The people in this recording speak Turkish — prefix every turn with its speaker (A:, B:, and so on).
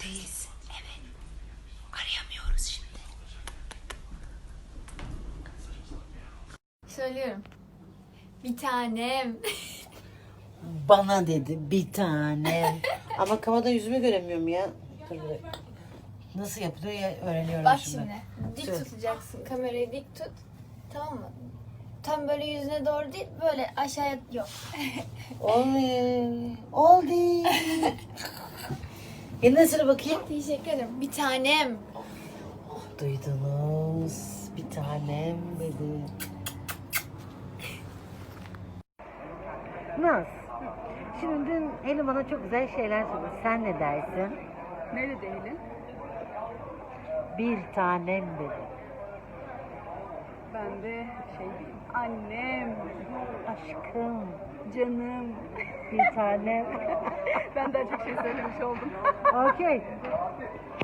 A: Evdeyiz. Evet. Arayamıyoruz şimdi.
B: Söylüyorum. Bir tanem.
C: Bana dedi bir tane. Ama kamada yüzümü göremiyorum ya. Dur bir dakika. Nasıl yapılıyor ya öğreniyorum
B: Bak
C: şimdi.
B: şimdi. Dik
C: Söyle.
B: tutacaksın. Kamerayı dik tut. Tamam mı? Tam böyle yüzüne doğru değil. Böyle aşağıya yok.
C: Oley. Oldu. Yeniden söyle bakayım.
B: Teşekkür ederim. Bir tanem.
C: Duydunuz. Bir tanem dedi. Naz. Şimdi dün Helin bana çok güzel şeyler söyledi. Sen ne dersin?
A: Ne dedi Helin?
C: Bir tanem dedi.
A: Ben de diyeyim. Annem,
C: Aşkım.
A: canım.
C: Bir tanem.
A: Ben daha çok şey söylemiş oldum.
C: Okey.